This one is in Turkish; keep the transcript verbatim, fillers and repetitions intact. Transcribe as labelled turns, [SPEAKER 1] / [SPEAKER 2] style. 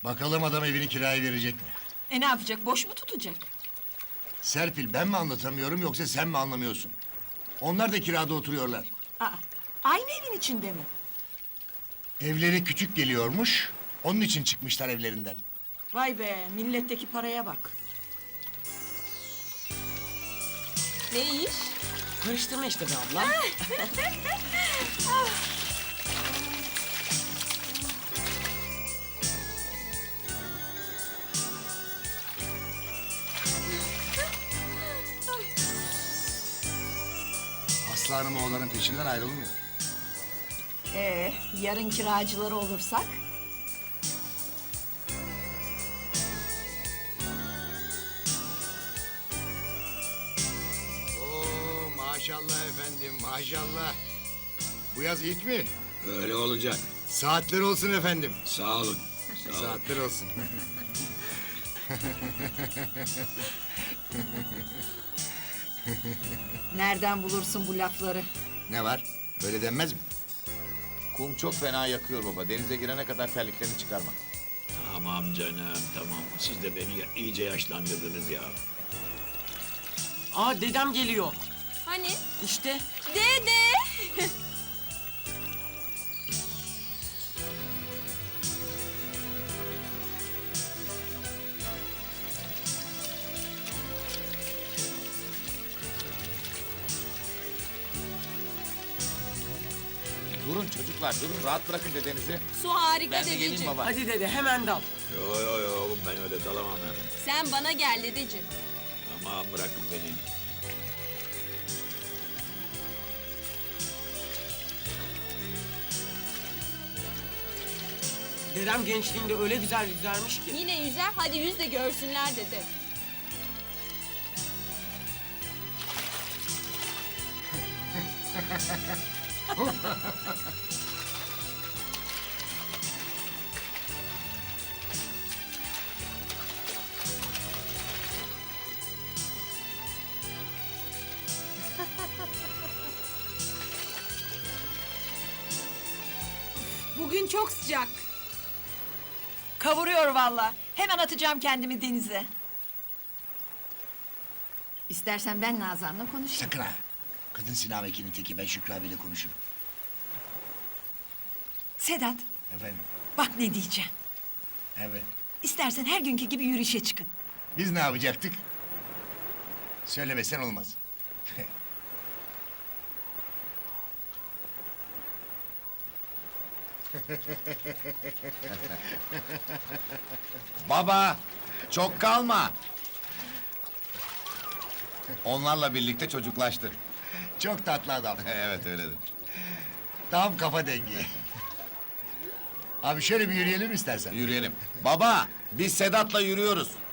[SPEAKER 1] Bakalım adam evini kiraya verecek mi?
[SPEAKER 2] E ne yapacak, boş mu tutacak?
[SPEAKER 1] Serpil, ben mi anlatamıyorum yoksa sen mi anlamıyorsun? Onlar da kirada oturuyorlar.
[SPEAKER 2] Aa, aynı evin içinde mi?
[SPEAKER 1] Evleri küçük geliyormuş, onun için çıkmışlar evlerinden.
[SPEAKER 2] Vay be, milletteki paraya bak.
[SPEAKER 3] Ne iş?
[SPEAKER 4] Karıştırma işte be abla.
[SPEAKER 1] Aslı Hanım oğlanın peşinden ayrılmıyor.
[SPEAKER 2] Ee, yarın kiracıları olursak?
[SPEAKER 1] Oo, maşallah efendim, maşallah. Bu yaz ilk mi?
[SPEAKER 5] Öyle olacak.
[SPEAKER 1] Saatler olsun efendim.
[SPEAKER 5] Sağ olun. Sağ olun.
[SPEAKER 1] Saatler olsun.
[SPEAKER 2] Nereden bulursun bu lafları?
[SPEAKER 1] Ne var? Böyle denmez mi?
[SPEAKER 6] Kum çok fena yakıyor baba. Denize girene kadar terliklerini çıkarma.
[SPEAKER 5] Tamam canım, tamam. Siz de beni ya- iyice yaşlandırdınız ya.
[SPEAKER 4] Aa dedem geliyor.
[SPEAKER 3] Hani?
[SPEAKER 4] İşte.
[SPEAKER 3] Dede!
[SPEAKER 6] Durun çocuklar, durun. Rahat bırakın dedenizi.
[SPEAKER 3] Su harika
[SPEAKER 6] Ben de geleyim
[SPEAKER 3] dedeciğim.
[SPEAKER 6] baba.
[SPEAKER 4] Hadi dede hemen dal.
[SPEAKER 5] Yo yo yo, ben öyle dalamam hemen.
[SPEAKER 3] Sen bana gel dedeciğim.
[SPEAKER 5] Tamam, bırakın beni.
[SPEAKER 4] Dedem gençliğinde öyle güzel yüzermiş ki.
[SPEAKER 3] Yine yüzer, hadi yüz de görsünler dede.
[SPEAKER 2] Bugün çok sıcak. Kavuruyor vallahi. Hemen atacağım kendimi denize. İstersen ben Nazan'la konuşayım.
[SPEAKER 1] Sakın ha. Kadın sinamekinin teki, ben Şükrü abiyle konuşurum.
[SPEAKER 2] Sedat,
[SPEAKER 1] Efendim,
[SPEAKER 2] bak ne diyeceğim.
[SPEAKER 1] evet.
[SPEAKER 2] İstersen her günkü gibi yürüyüşe çıkın.
[SPEAKER 1] Biz ne yapacaktık? Söylemesen olmaz.
[SPEAKER 6] Baba, çok kalma. Onlarla birlikte çocuklaştı.
[SPEAKER 1] Çok tatlı adam.
[SPEAKER 6] Evet öyledir.
[SPEAKER 1] Tam kafa dengi. Abi şöyle bir yürüyelim istersen.
[SPEAKER 6] Yürüyelim. Baba, biz Sedat'la yürüyoruz.